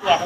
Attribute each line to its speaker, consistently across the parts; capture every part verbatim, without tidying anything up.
Speaker 1: แยก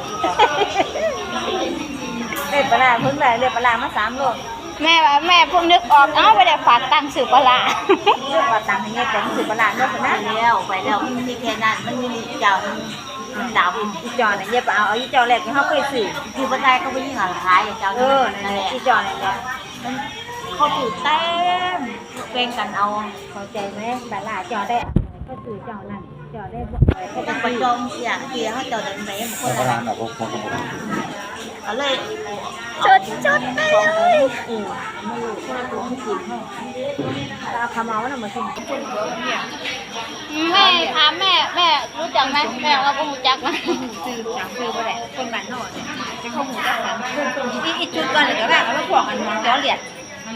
Speaker 1: เด็ดปลาเพิ่งได้เด็ดปลามาสามโล
Speaker 2: แม่ว่าแม่เพิ่งนึกออกเอ้าไปได้ฝากตังค์สื่อปลา
Speaker 1: เลือกว่าตังค์ให้เนี่ยแต่สือปลาเลือกนะแล้วไปแล้วมันมีแค่นั้นมันมีเจ้ามันดำอีจอเนี่ยเอาเอาอีจอแรกที่เขาเคยสื่อคือปลาไทยเขาไปยิ่งหาขายเจ้าเออนั่นแหละอีจอเนี่ยเขาถือเต็มเป็นกันเอาเข้าใจไหมปลาจอได้ก็สื่อจอนั่นจอได้เขาเป็นประจงเสียเสียเขาจอได้ไหมคนละแบบเอาเลย
Speaker 2: ชุดชุดไปเลย
Speaker 1: อืมไม่รู้คนละตัวไม่กินให้เอาคำเอาแล้วมาชิม
Speaker 2: แม่ถามแม่แม่รู้จักไหมแม่เราก็รู้จักนะ
Speaker 1: ซื้อจังซื้อไปแหละคนบ้านนอกจะเข้าหมูจักกันอีอีจุดก่อนเลยก็ได้เอาแล้วพวกกันมองย้อนเหรียญ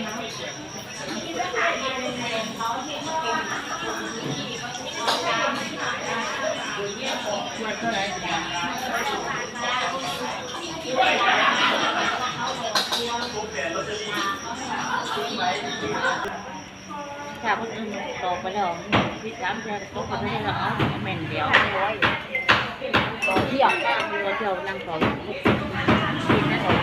Speaker 1: ถ้าคนอื่นตกไปแล้วพี่สามเจ้าตกไปไม่ได้หรอกเหม็นเดียวต่อเที่ยวต่อเที่ยวนั่งต่อกินนะต่อ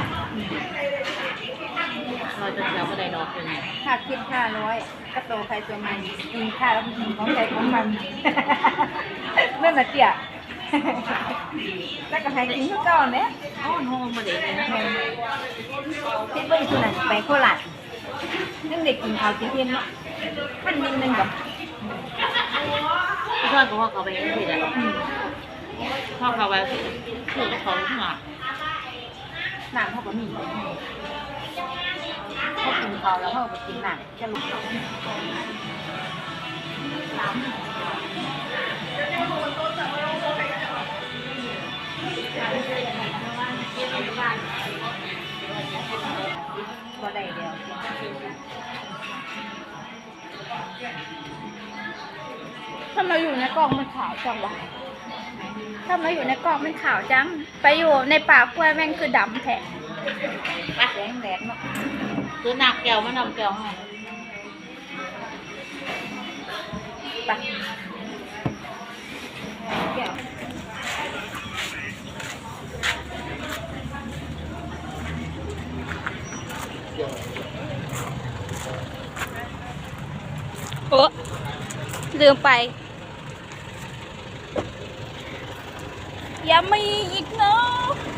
Speaker 1: เราจะเที่ยวก็ได้ดอกเป็นค่าคิดค่าร้อยก็โตใครตัวมันกินค่าแล้วกินของใครของมันเมื่อมาเที่ยวแล้วก็ให้กินทุกก้อนเนี่ยอ๋อโน้มาเด็กนะคิดว่าอีกคนนั้นไปโคราชนึ่งเด็กกินข้าวกินเย็นเนาะท่านนิดนึงกับพี่ชอบก็ว่าเขาไปยังผิดอ่ะพ่อเขาไปคือเขาหนักหนักเขาก็มีเขากินข้าวแล้วเขาไปกินหนักจะลุกก็ได้เดียว
Speaker 2: ถ้ามาอยู่ในกล่องมันขาวจังวะถ้ามาอยู่ในกล่องมันขาวจังไปอยู่ในป่ากล้วยแม่งคือดำแท้
Speaker 1: แดงแดงเนาะคือหนักแก้วมันนำแก้วให้ไปแก้ว
Speaker 2: โอ้ลืมไปอย่ามีอีกเนาะ